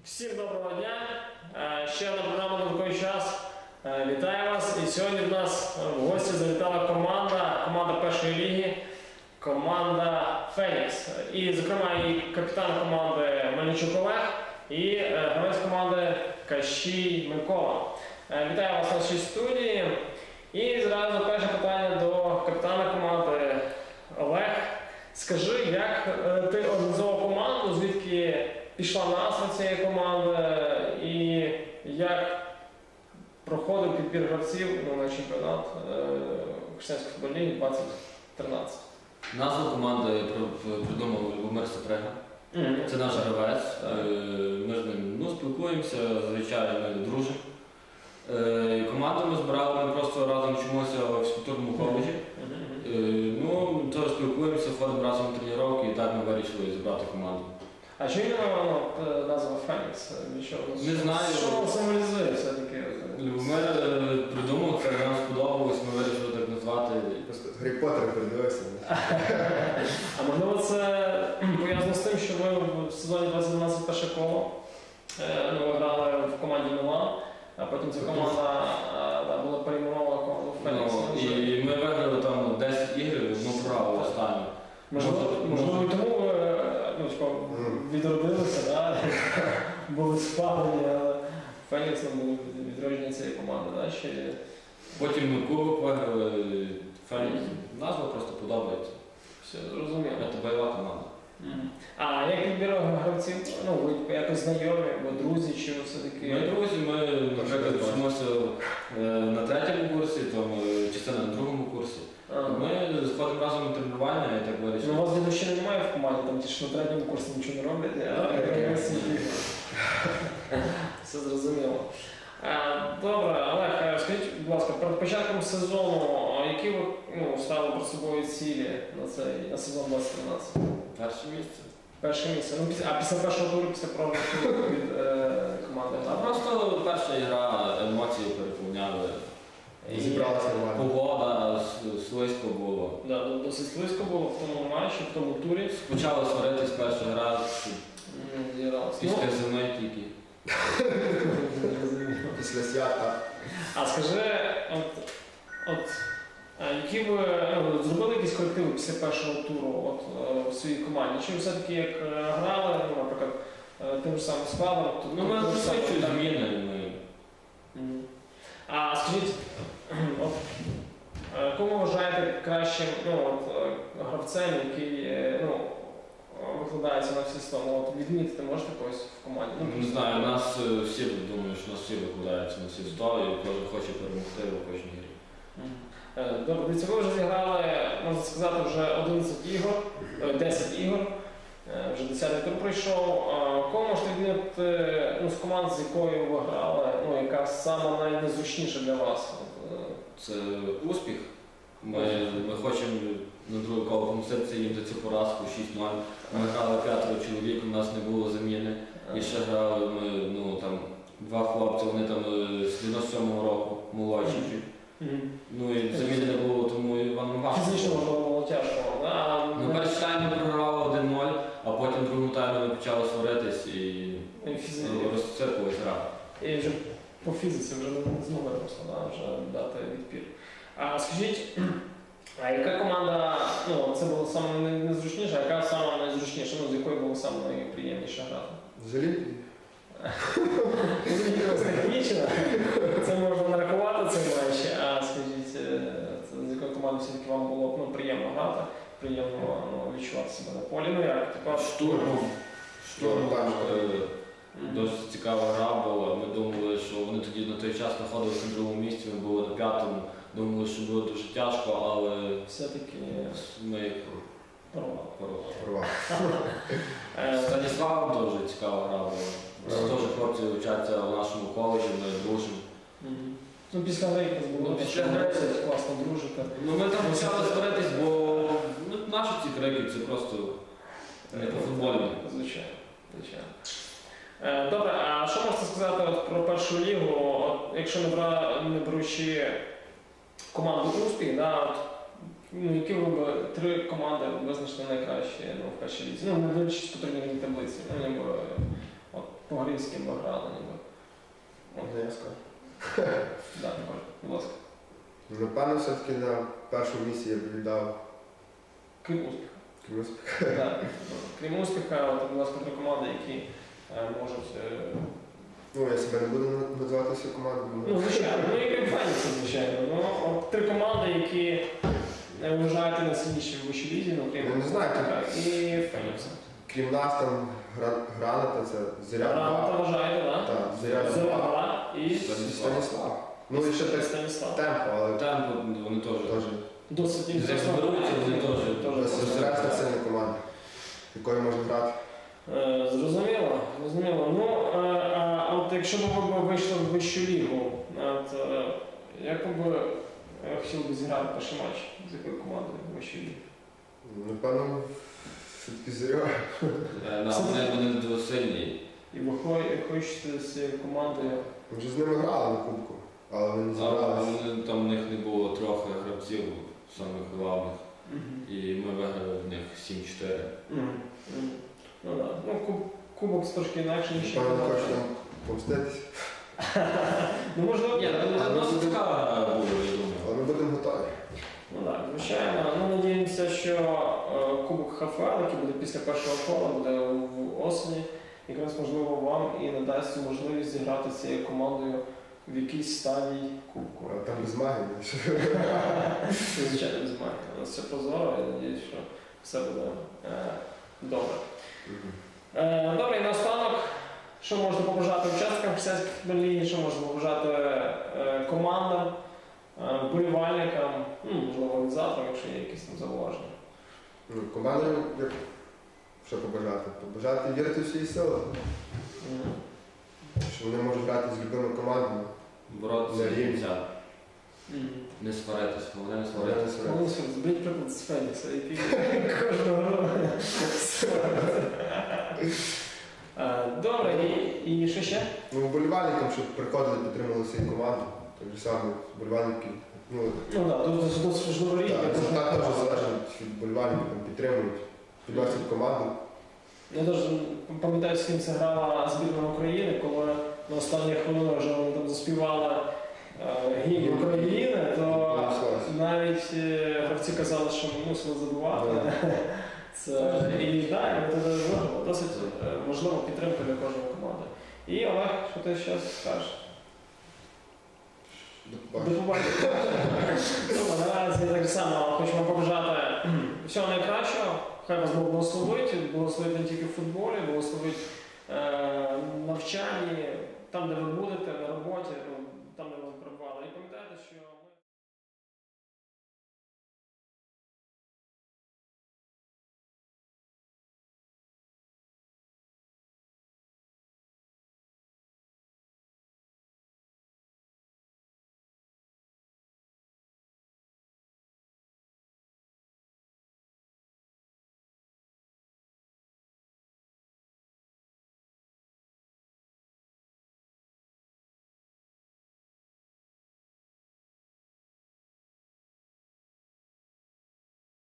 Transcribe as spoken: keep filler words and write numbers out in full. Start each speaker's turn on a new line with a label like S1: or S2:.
S1: Всім доброго дня! Ще одна програма «На такий час». Вітаю вас! І сьогодні в нас в гості завітала команда, команда першої ліги, команда «Фенікс». І, зокрема, і капітан команди Мельничук Олег, і гравець команди Кащій Микола. Вітаю вас в нашій студії. І зразу перше питання до капітана команди. Олег, скажи, як ти організував команду, звідки пішла назва цієї команди і як проходив підбір гравців ну, на чемпіонат Християнської футбольної ліги двадцять тринадцять?
S2: Назву команди придумав Любомир Сапрега. Mm-hmm. Це наш гравець. Mm-hmm. Ми з ним ну, спілкуємося, звичайно, ми дружимо. Команду ми збирали, ми просто разом вчимося в фізкультурному коледжі. Mm-hmm. Ну, теж спілкуємося, ходимо разом на тренування і так ми вирішили зібрати команду.
S1: А чому іменно назва «Фенікс»?
S2: Не знаю.
S1: Що воно символізує все-таки?
S2: Любомир придумав, це нам сподобалось, ми вирішили так назвати.
S3: Гаррі Поттер придивився.
S1: А можливо це пов'язано з тим, що ви в сезоні двадцять дванадцять перше коло ну, ви грали в команді «Мілан», а потім ця команда да, була перейменована команду «Фенікс».
S2: Ну, і ми виграли там десять ігр, ну програли останню.
S1: Можливо, можливо, і тому ви ну, відродилися, да? Були спалені, але Фенікс був відродження цієї команди. Да? Ще...
S2: Потім ми кубок виграли, Фенікс. Назва просто подобається.
S1: Все, зрозуміло.
S2: Це бойова команда.
S1: Mm. А як підбір гравців? Ну, ви якось знайомі, або друзі, чи все-таки?
S2: Ми друзі, ми, наприклад, вчимося на третьому курсі, там, частина на другому курсі. Ага. Ми сходимо разом на тренування і так вирішили.
S1: Ну, у вас дідовщини немає в команді, там ті, що на третьому курсі нічого не роблять, а я все зрозуміло. Добре, Олег, скажіть, будь ласка, перед початком сезону, які ви ну, ставили перед собою цілі на, цей, на сезон двадцять тринадцять?
S2: Перше місце.
S1: Перше місце. Ну, після, а після першого туру, після програшу від е, команди?
S2: А просто перша гра, емоції переповняли.
S3: Зібралася нормально.
S2: Погода, слизько було.
S1: Да, досить слизько було в тому матчі, в тому турі.
S2: Почали сваритись перша гра,
S1: mm,
S2: після ну, зими тільки.
S3: Після свята.
S1: А скажи, от, от які ви ну, зробили якісь колективи після першого туру от, в своїй команді? Чи ви все-таки як грали, ну, наприклад, тим ж самим складом?
S2: Ну, ми досвідчуємо зміни.
S1: Mm. А скажіть, от, кому вважаєте кращим ну, от, гравцем, який ну, викладається на всі сто? Ну, от, відмітити можете когось в команді?
S2: Ну, не знаю, у нас всі думають, що нас всі викладаються на всі сто і кожен хоче перемогти у кожній грі.
S1: Добре, дивіться, ви вже зіграли, можна сказати, вже одинадцять ігор, десять ігор, вже десятий тур пройшов. Кого можете відмітити ну, з команд, з якою ви грали, ну, яка саме найнезручніша для вас?
S2: Це успіх. Ми, ми хочемо на друге коло помститися їм за цю поразку шість нуль. Ми грали п'ятеро чоловік, у нас не було заміни. І ще грали ми, ну, там, два хлопці, вони там з дев'яносто сьомого року, молодші. Mm-hmm. Ну і заміни не було, тому Іван важко.
S1: Фізично можливо було тяжко, да?
S2: Ну, перший тайм ми програвали один нуль, а потім в другому таймі ми почали сваритись і розцепилась гра.
S1: І вже по фізиці вже не змогли просто, да, вже дати відпір. А скажіть, а яка команда, ну це було саме найзручніша, а яка саме найзручніша, ну з якою було саме найприємніше грати?
S3: З Олімпії?
S1: Технічно, це можна нарахувати цей матч, а скажіть, з якою командою все-таки вам було ну, приємно грати, приємно ну, відчувати себе на полі, ну як, типа
S2: штурм. Штурм, там дуже цікава гра була, ми думали, що вони тоді на той час знаходилися на другому місці, ми були на п'ятому, думали, що буде дуже тяжко, але
S1: все-таки
S2: ми їх
S1: порвали.
S2: Станіслав дуже цікава гра була. Теж хлопці вчаться в нашому коледжі, ми дружимо.
S1: Mm-hmm. Ну, після гри було
S2: після гри
S1: класно дружити.
S2: Ну, ми там почали сваритись, бо ну, наші ці крики це просто не по-футбольні.
S1: Звичайно. Звичайно. Е, добре, а що можете сказати от, про першу лігу, от, якщо не, бра, не беручи команду «Успіх», да, от, ну, які ви б три команди визначили найкращі ну, в першій лізі? Ну, не дивлячись по турнірній таблиці. Ну, ніби, от, по-грецьки би грали ніби.
S3: Можна я скажу?
S1: Так, Микола, будь ласка.
S3: Напевно, все-таки на першому місці я б віддав
S1: Крім успіху.
S3: комусь.
S1: Так. Крім успіха, от, будь ласка, три команди, які е, можуть... Е,
S3: Ну, я себе не буду на- називати всю команду.
S1: ну, звичайно, ну і крім Фенікса, звичайно. Ну, от три команди, які е, вважаєте найсильніші в вищій лізі, ну, крім
S3: Я не знаю,
S1: Фенікса і Фенікса.
S3: Крім нас там гра- Граната, це Зоря
S1: Граната
S3: два.
S1: вважаєте, так?
S3: Так, Зоря
S1: Зоря
S3: два.
S1: два і
S3: Станіслав. Ну і ще так
S1: Станіслав.
S3: темпо, але
S2: Там вони теж.
S3: теж.
S1: Досить
S2: Як
S1: інтересно.
S2: зберуться, вони теж.
S1: Теж
S3: Серйозна сильна команда, якою можна грати.
S1: Е, Зрозуміло, зрозуміло. Ну, е, а, а от якщо б ви вийшли в вищу лігу, от, е, як би е, хотів би зіграти перший матч з якою командою в вищій лігі?
S3: Напевно, все-таки Зоря.
S2: Е, на, Вони вони дуже сильні.
S1: І ви хо- хочете з цією командою?
S3: Ми вже з ними грали на кубку, але вони не
S2: Але
S3: зібралися.
S2: вони- там в них не було трохи гравців, самих головних. І ми виграли в них сім-чотири.
S1: Мгм. Мгм. Ну так. Ну, куб, кубок трошки інакше, ніж
S3: Напевно, не
S1: чемпіонат.
S3: хочу там помститись,
S1: Ну, можливо,
S2: Ні, ну, досить цікава гра була, я думаю.
S3: але ми будемо готові.
S1: Ну так, звичайно. Ну, надіємося, що е, Кубок ХФЛ, який буде після першого кола, буде в осені, якраз можливо вам і надасть цю можливість зіграти з цією командою в якійсь стадії Кубку.
S3: А там без магії.
S1: Це, звичайно, без магії. У нас все прозоро, я сподіваюся, що все буде е, добре. Е, добре, і наостанок, що можна побажати учасникам християнських ліги, що можна побажати е, командам, е, вболівальникам, ну, можливо, організаторам, якщо є якісь там зауваження.
S3: Ну, командою, як що побажати? Побажати вірити в свої сили,
S1: Мгм.
S3: що вони можуть грати з любими командами.
S2: Боротися
S3: Не
S2: до
S3: рівні.
S2: кінця.
S1: Мгм.
S2: Не сваритися, головне не
S3: Вони
S2: сваритися.
S3: не сваряться.
S1: Голосуй, зберіть приклад з Фенікса, який кожного року. Е, Добре, і, і що ще?
S3: Ну, вболівальникам, щоб приходили, підтримували свою команду. Так же саме вболівальники. Ну,
S1: Ну так, досить досить важливо рік.
S3: так, результат теж залежить від вболівальників, там підтримують, підносять команду.
S1: Я теж пам'ятаю, з ким це грала збірна України, коли на останніх хвилинах вже вони там заспівали е, гімн України, то навіть е, гравці казали, що ми мусили забувати. Це, і так, це важливо, досить е, важлива підтримка для кожної команди. І Олег, що ти ще скажеш? До побачення. Ну, наразі так само хочемо побажати всього найкращого. Хай вас Бог благословить, благословить не тільки в футболі, благословить е, навчанні, там, де ви будете, на роботі.